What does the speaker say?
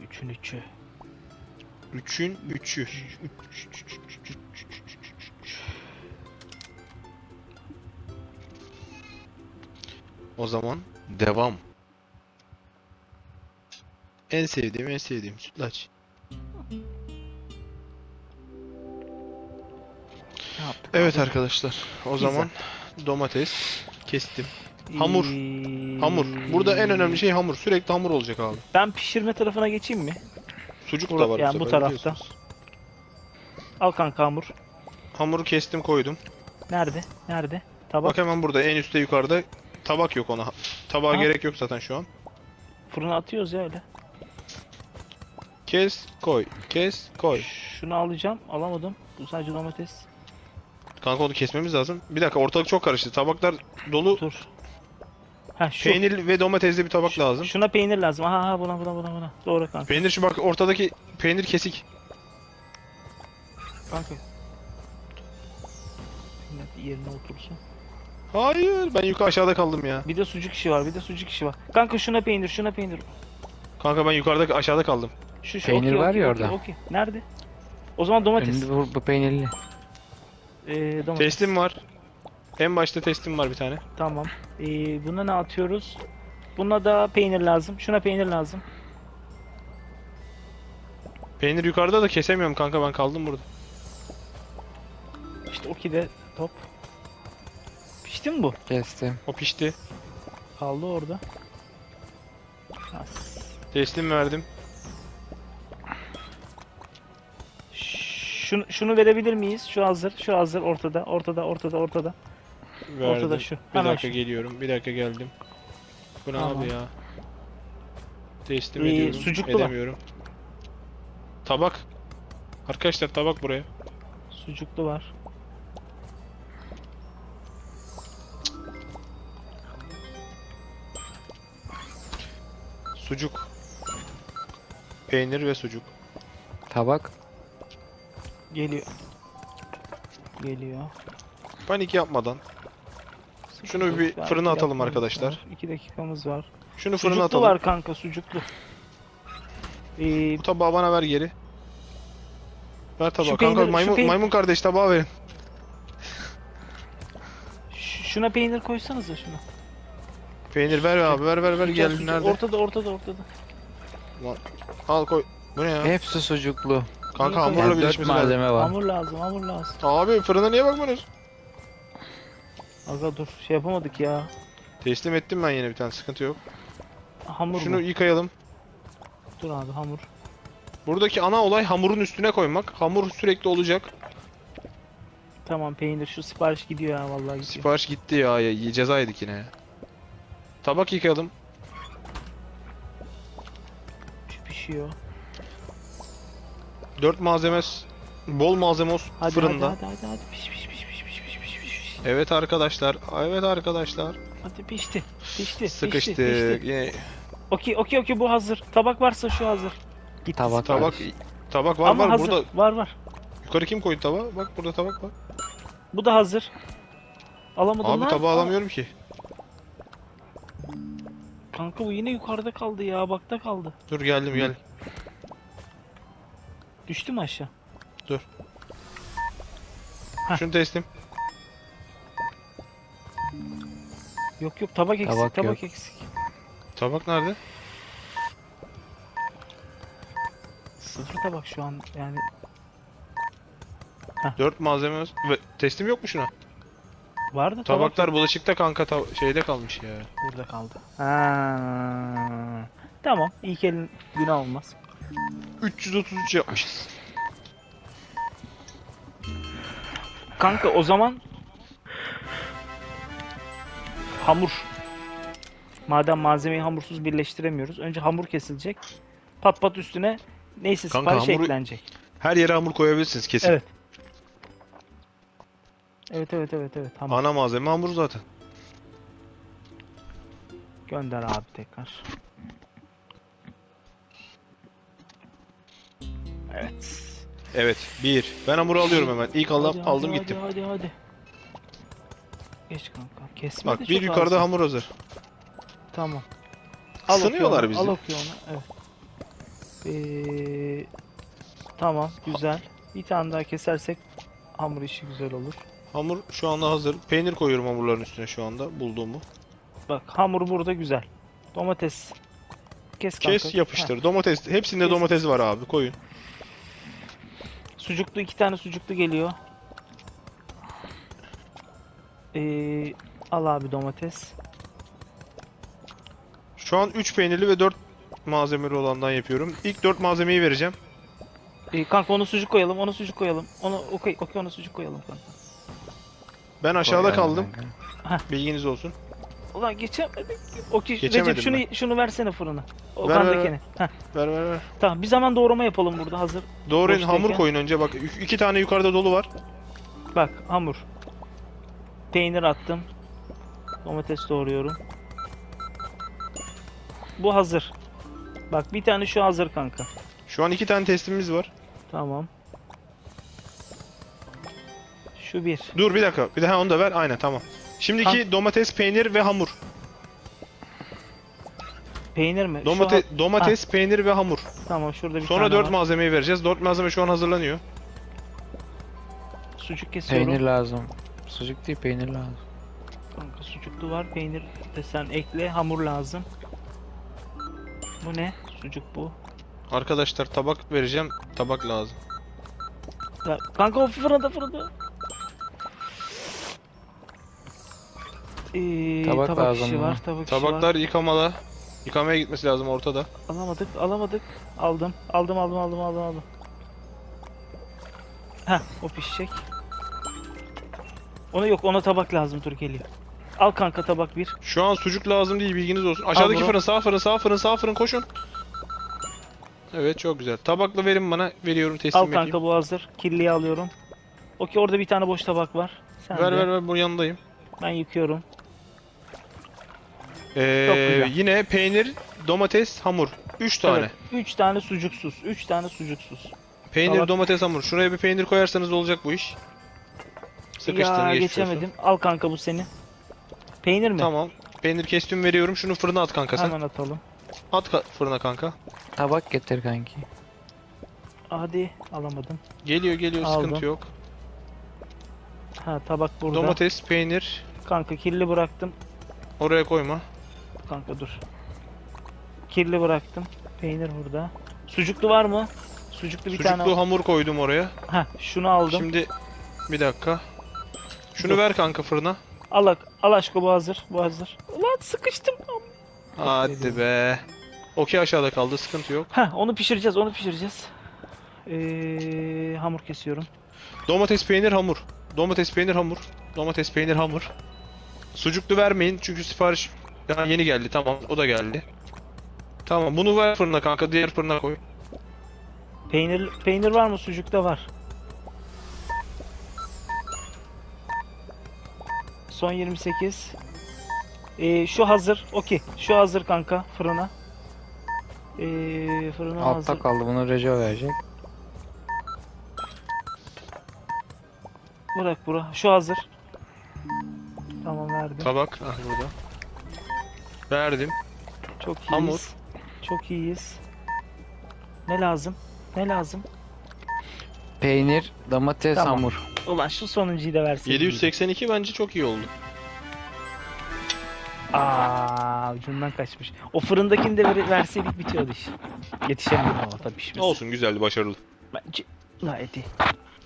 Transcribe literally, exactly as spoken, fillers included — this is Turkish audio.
üçün üçü. Üçün üçü. O zaman devam. En sevdiğim en sevdiğim sütlaç. Ne yaptık Evet abi? arkadaşlar. O Pizza. zaman domates kestim. Hamur. Ee, Hamur. Burada en önemli şey hamur. Sürekli hamur olacak abi. Ben pişirme tarafına geçeyim mi? Sucuk Bura- da var yani bu bu sefer tarafta. biliyorsunuz. Al kanka hamur. Hamuru kestim koydum. Nerede? Nerede? Tabak. Bak hemen burada en üstte yukarıda. Tabak yok ona. Tabağa Aha. gerek yok zaten şu an. Fırına atıyoruz ya öyle. Kes koy. Kes koy. Şunu alacağım. Alamadım. Bu sadece domates. Kanka onu kesmemiz lazım. Bir dakika ortalık çok karıştı. Tabaklar dolu. Dur. Ha şu. Peynir ve domatesli bir tabak Şu- lazım. Şuna peynir lazım. Aha aha, buna buna buna buna. Doğru kanka. Peynir şu bak ortadaki peynir kesik. Kanka. Peynir yerine otursun. Hayır ben yukarı aşağıda kaldım ya. Bir de sucuk işi var. Bir de sucuk işi var. Kanka şuna peynir, şuna peynir. Kanka ben yukarıda aşağıda kaldım. Şu şu. Peynir okey, var okey, ya okey, orada. okey. Nerede? O zaman domates. Önünde bu, bu peynirli. Ee, domates. Teslim var. En başta teslim var bir tane. Tamam. Ee, buna ne atıyoruz? Buna da peynir lazım. Şuna peynir lazım. Peynir yukarıda da kesemiyorum kanka ben kaldım burada. İşte okey de top. Pişti mi bu? Kestim. O pişti. Kaldı orada. As. Teslim verdim. Şunu, şunu verebilir miyiz? Şu hazır, şu hazır ortada, ortada, ortada, ortada. Verdim. Ortada şu. Bir Hemen dakika şu. geliyorum. Bir dakika geldim. Bu ne Tamam. abi ya? Teslim Ee, ediyorum. sucuklu var. Edemiyorum. Tabak. Arkadaşlar tabak buraya. Sucuklu var. Sucuk. Peynir ve sucuk. Tabak. Geliyor. Geliyor. Panik yapmadan. Şunu bir Var, fırına atalım dakikamız arkadaşlar. var, İki dakikamız var. Şunu fırına Sucuklu atalım. var kanka, sucuklu. Ee, Bu tabağı bana ver geri. Ver tabağı. Şu Kanka peynir- şu maymun, peyn- maymun kardeş tabağı verin. ş- şuna peynir koysanıza şuna. Peynir ver abi ver ver ver Sucuk, gel sucuk. nerede? Ortada, ortada, ortada. Al koy. Bu ne ya? Hepsi sucuklu. Kanka Yani hamurla Yani dört birleşmesi lazım. malzeme var. Hamur lazım, hamur lazım. Abi fırına niye bakmıyorsunuz? Aga dur, şey yapamadık ya. Teslim ettim ben yine bir tane sıkıntı yok. Hamur Şunu mu? yıkayalım. Dur abi, hamur. Buradaki ana olay hamurun üstüne koymak. Hamur sürekli olacak. Tamam, peynir şu sipariş gidiyor ya, vallahi gidiyor. Sipariş gitti ya, ya ceza yedik yine ya. Tabak yıkayalım. Şu pişiyor. Dört malzeme, bol malzeme olsun Hadi fırında. hadi hadi hadi hadi piş piş piş piş piş piş piş piş. Evet arkadaşlar, evet arkadaşlar. Hadi pişti. Pişti. Sıkıştık. Pişti, pişti. Yine Okey okey okey, bu hazır. Tabak varsa şu hazır. Gitti Tabak sipariş. tabak, tabak var Ama var hazır. burada. Var var. Yukarı kim koydu tabağı? Bak burada tabak var. Bu da hazır. Alamadım Abi lan. tabağı Al- alamıyorum ki. Kanka bu yine yukarıda kaldı ya. Bakta kaldı. Dur geldim gel. Düştü mü aşağı? Heh. Şunu teslim. Yok yok, tabak eksik. Tabak Tabak, yok. eksik. Tabak nerede? Sıfır tabak şu an yani. Dört malzeme ve teslim yok mu şuna? Vardı tabak. Tabaklar yok. bulaşıkta kanka ta- şeyde kalmış ya. Burada kaldı. Ha. Tamam. İlk elin günah olmaz. üç yüz otuz üç yapmışız. Kanka o zaman hamur. Madem malzemeyi hamursuz birleştiremiyoruz. Önce hamur kesilecek. Pat pat üstüne neyse Kanka sipariş hamuru- eklenecek. Her yere hamur koyabilirsiniz kesin. Evet. Evet evet evet evet. Hamur. Ana malzeme hamur zaten. Gönder abi tekrar. Evet. Evet. Bir. Ben hamuru alıyorum hemen. İlk aldım, Hadi, hadi, aldım hadi, gittim. Hadi hadi. Geç kanka. Kesme Bak de bir çok yukarıda az. hamur hazır. Tamam. Al Sınıyorlar okuyor onu, bizi. Al okuyor onu. Evet. Ee, tamam güzel. Bir tane daha kesersek hamur işi güzel olur. Hamur şu anda hazır. Peynir koyuyorum hamurların üstüne şu anda bulduğumu. Bak hamur burada güzel. Domates. Kes kanka. Kes yapıştır. Heh. Domates. Hepsinde Kes. domates var abi. Koyun. Sucuklu iki tane sucuklu geliyor. Ee, al abi domates. Şu an üç peynirli ve dört malzemeli olandan yapıyorum. İlk dört malzemeyi vereceğim. Ee, kanka onu sucuk koyalım, onu sucuk koyalım. Onu okey, okey onu sucuk koyalım kanka. Ben aşağıda Koyalım kaldım. kanka. Bilginiz olsun. Ulan geçemedik. Okey Geçemedim Recep şunu şunu versene fırına. O Ver, ver, kandakini. Heh, Ver ver ver. tamam bir zaman doğrama yapalım burada hazır. Doğrayın, Boştayken. hamur koyun önce. Bak iki tane yukarıda dolu var. Bak hamur. Peynir attım. Domates doğruyorum. Bu hazır. Bak bir tane şu hazır kanka. Şu an iki tane teslimimiz var. Tamam. Şu bir. Dur bir dakika. Bir daha onu da ver. Aynen tamam. Şimdiki domates, peynir ve hamur. Peynir mi? Şu Domate ha- domates, peynir ve hamur. Tamam şurada bir Sonra tane dört var. malzemeyi vereceğiz. Dört malzeme şu an hazırlanıyor. Sucuk kesiyorum. Peynir lazım. Sucuk değil peynir lazım. Kanka sucuklu var. Peynir de sen ekle. Hamur lazım. Bu ne? Sucuk bu. Arkadaşlar tabak vereceğim. Tabak lazım. Ya, kanka o fırında fırında. Ee, Tabak tabak lazım işi bana. var. Tabak işi var. Tabaklar yıkamada. Yıkamaya gitmesi lazım ortada. Alamadık, alamadık. Aldım, aldım, aldım, aldım, aldım, aldım. Heh, o pişecek. Ona yok, ona tabak lazım. Dur geliyor. Al kanka tabak bir. Şu an sucuk lazım değil, bilginiz olsun. Aşağıdaki bunu. fırın, sağ fırın, sağ fırın, sağ fırın, koşun. Evet, çok güzel. Tabakla verin bana. Veriyorum, teslim Al edeyim. kanka bu hazır. Kirliyi alıyorum. Okey orada bir tane boş tabak var. Sen Ver de. ver ver, bunun yanındayım. Ben yıkıyorum. Ee, güzel. yine peynir, domates, hamur. üç tane. Evet, üç tane sucuksuz. Üç tane sucuksuz. Peynir, Tabak- domates, hamur. Şuraya bir peynir koyarsanız olacak bu iş. Sıkıştın, Ya geçmiş olsun. geçemedim. Al kanka bu senin. Peynir mi? Tamam. Peynir kestim, veriyorum. Şunu fırına at kanka sen. Hemen atalım. At ka- fırına kanka. Tabak getir kanki. Hadi alamadım. Geliyor geliyor, Aldım. sıkıntı yok. Ha tabak burada. Domates, peynir. Kanka kirli bıraktım. Oraya koyma. Kanka dur. Kirli bıraktım. Peynir burada. Sucuklu var mı? Sucuklu bir Sucuklu tane. hamur koydum oraya. Heh, şunu aldım. Şimdi bir dakika. Şunu Dur. ver kanka fırına. Al, ak- al aşkım bu hazır. Bu hazır. Ulan sıkıştım. Hadi be. Okey aşağıda kaldı, sıkıntı yok. Heh, onu pişireceğiz. Onu pişireceğiz. Ee, hamur kesiyorum. Domates, peynir, hamur. Domates, peynir, hamur. Domates, peynir, hamur. Sucuklu vermeyin çünkü sipariş daha yeni geldi. Tamam, o da geldi. Tamam, bunu ver fırına kanka. Diğer fırına koy. Peynir peynir var mı? Sucukta var. Son yirmi sekiz. Ee, şu hazır. Okey. Şu hazır kanka fırına. Ee, fırına Altta hazır. kaldı bunu Reco verecek. Bırak bura. Şu hazır. Tamam verdim. Tabak. Ah burada. Verdim. Çok iyiyiz. Hamur. Çok iyiyiz. Ne lazım? Ne lazım? Peynir, domates, Tamam. hamur. Ulan şu sonuncuyu da versin. yedi yüz seksen iki bence çok iyi oldu. Aa, ucundan kaçmış. O fırındakini de ver, verseydik bitiyordu iş. Yetişemedim ama tabii pişmesi. Olsun, güzeldi, başarılı. Bence gayet iyi.